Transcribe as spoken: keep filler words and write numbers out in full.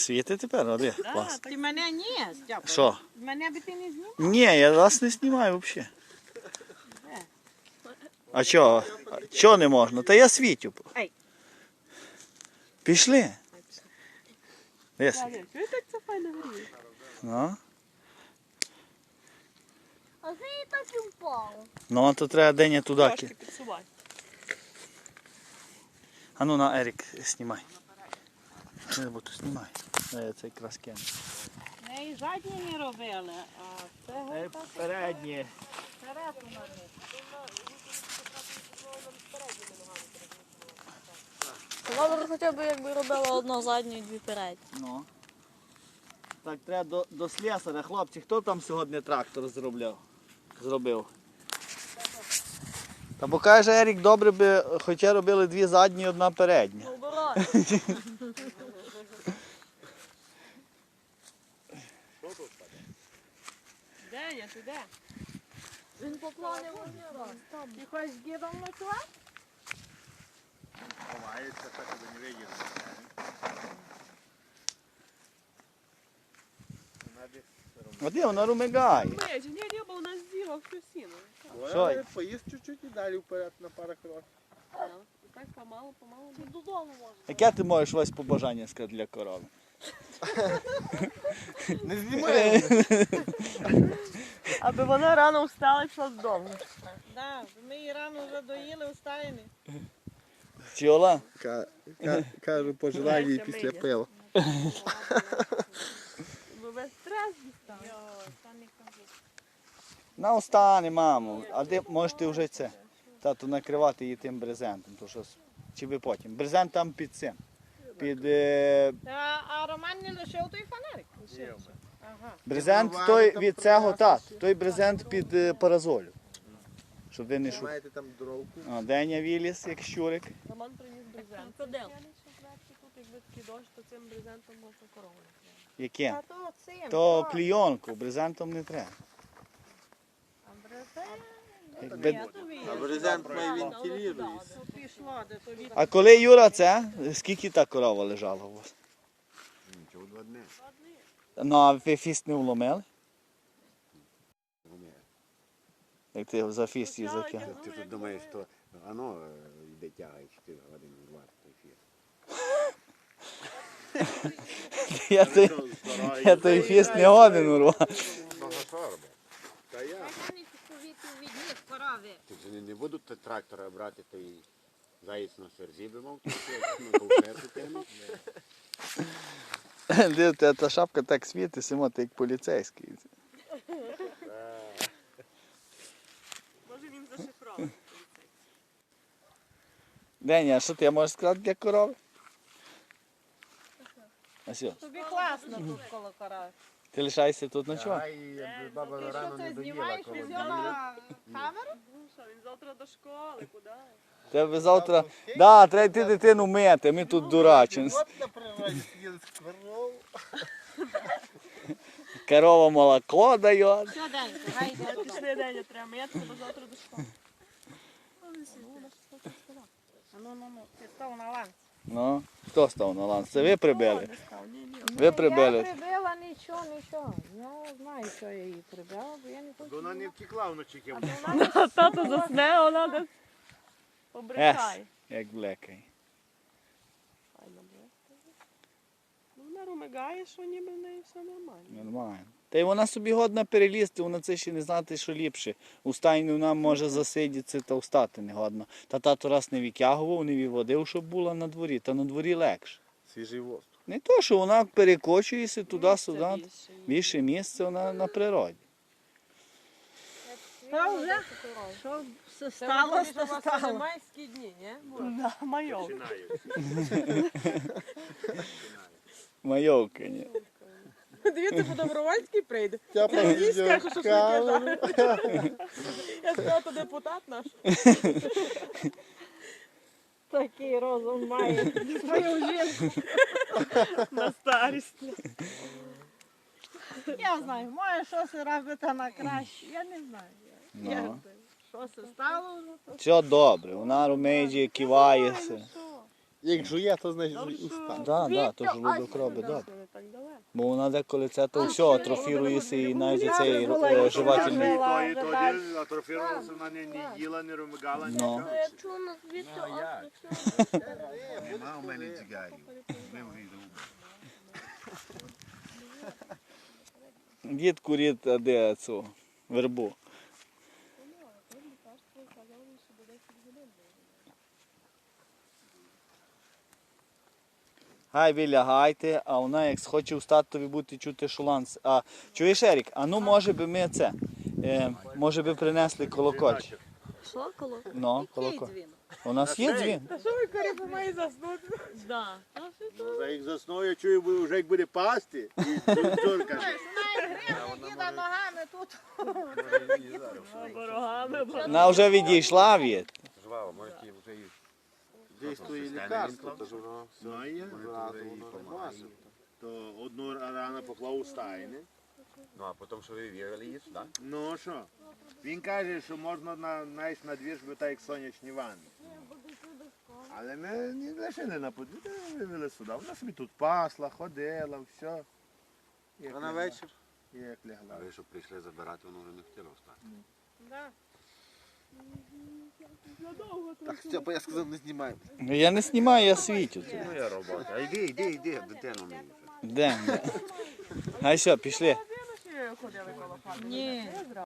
Світи тепер, оди. Да, ти мене ні, Степа. Що? Мене би ти не знімав. Ні, я вас не знімаю взагалі. А чого? Чого не можна? Та я світю. Ей. Пішли. Де світ? Чого так це файно гріє? Ну. А це і так і впало. Ну, то треба день туди. Трошки підсувай. А ну на, Ерік, знімай. Не буду, знімай. Я це якраз кину. Не, і задні не робили, а це геть так. Передні. Вперед у нас. Добре, хоча б якби робила одну задню і дві передні. Ну. Так, треба до, до слесаря. Хлопці, хто там сьогодні трактор зробляв? Зробив? Та бо каже Ерік, добре би, хоча робили дві задні і одна передня. Оборот. Де я, ти де? Він поклонив один раз. Там. Ти хочеш з дідом ночувати? Ховається, так аби не виділи. А де вона румигає? Ми, ні, ні, бо у нас з'їла всю сіну. Що? Поїзд чуть-чуть і далі вперед на пару кроків. І так помалу, помалу. Ти додому можеш. Яке ти можеш ось побажання сказати для корови? Не знімай! Аби вона рано встала і пішла додому. Так, ми її рано вже доїли, встаємо. Чола? Кажу, пожелаю їй після пива. Бо весь стрес дістав. Йой, та не кажи. На остане, мамо. А де можеш ти вже це? Тату накривати її тим брезентом. То що, чи ви потім? Брезент там під цим. Під е, Та, а Роман не лишив той фонарик? Лишився. Ага. брезент той від цього тат. Той брезент під е, паразолю. Щоб ви не шукали. Маєте там дровку? О, Деня виліз, як щурик. Роман приніс брезент. Крокодил. Тут, якби такий дощ, то цим брезентом можна корову накривати. Яке? А то цим. То так. клійонку, брезентом не треба. А брезент? Якби- Я тобі. А брезент має вентилюється. То пішло, де тобі. А коли Юра це, скільки та корова лежала у вас? Нічого, два дні. Ну, а ви фіст не вломили? Як ти за фіст її закинув? Ти тут думаєш, що воно йде тягає чотири години рвати той фір. Я той, я той фіст не годен урвав. Много сорба. Та я. Вони повітря від них корови. Ти ж не, не буду те трактора брати, то і заєць на серзі би мав, то на ковшерку тягнути. Дивіться, та шапка так світить, Симо, ти як поліцейський. Може він зашифрований. Деня, а що ти можеш сказати для корови? А що, Тобі класно тут коло корови. ти лишайся тут ночувати? Ай, якби баба Ти що рано це не доїла знімаєш? коло Ти біля. взяла камеру? Ну що, він завтра до школи, куди? Тебе завтра... Да, треба йти дитину мити, ми тут дурачимось. От на природі сиділи з коровою. Корова молоко дає. Все, Денька, гайде туди. Пішли день, треба мити, бо завтра до школи. А ну, ну, ну, ти став на ланці. Ну, хто став на ланц? Це ви прибили? Не став, ні, ні. Ви Я прибили. прибила нічого, нічого. Я знаю, що я її прибила, бо я не хочу. Вона не втекла вночі ким. А тато засне, а вона десь Ес, побрехає. як блекай. Файно буде. Ну, вона румигає, що ніби в неї все нормально. Нормально. Та й вона собі годна перелізти, вона це ще не знати, що ліпше. У стайні вона може засидіти та встати не годно. Та тато раз не витягував, не виводив, щоб була на дворі. Та на дворі легше. Свіжий воздух. Не то, що вона перекочується туди-сюди. Місце більше. Більше місце вона на природі. Та вже, що все стало, то стало. майські дні, ні? Да, майов. Майовка, ні. Дивіться, по Добровольській прийде. Я по скажу, що відеокамеру. Я сказала, то депутат наш. Такий розум має свою жінку. На старість. Я знаю, може щось робити на краще, я не знаю. Ну. Як це? Що це стало вже? то- Все добре, вона румеджі, кивається. Що? Як жує, то значить Добре, жує уста. що- Да, да, то желудок робить Да, добре. що не так далеко. Бо вона деколи це то все атрофірується і навіть цей е, жувательний. Була вже далі. атрофірувалася, вона не, не їла, не ромигала, Ну. нічого. Якщо у нас звідси Нема у мене цигарів. Дід курить, а де цю вербу. Гай ви лягайте, а вона як схоче встати, то ви будете чути шуланс. А чуєш, Ерік, а ну може би ми це, е, може би принесли колокольчик. соколо. Ну, колоколь. У нас є дзвін. Та що ви корі має заснути? Да. Ну, за як засну, я чую, бо вже як буде пасти, і цур каже. Діда ногами тут. Ворогами. Вона вже відійшла від. Жваво, може ті вже і... Дійствує лікарство, то ж воно все. Ну, є, Зразу то і воно не помазав. може. То одну рану поклав у стайни. Ну, а потім, що ви вірили її сюди? Ну що? Він каже, що можна на, навіть на двір, щоб так як сонячні ванни. Але ми не лишили на подвір'я, ми вивели сюди. Вона собі тут пасла, ходила, все. Як А на лягла. вечір? Як А лягла. ви, що прийшли забирати, воно вже не хотіло встати. Да. Так, Степа, я сказав, не знімай. Ну, я не знімаю, я світю. тут. Ну, я робота. А йди, йди, йди, дитину мені. Де? Де? Гай що, пішли. Ходили коло хати. Ні.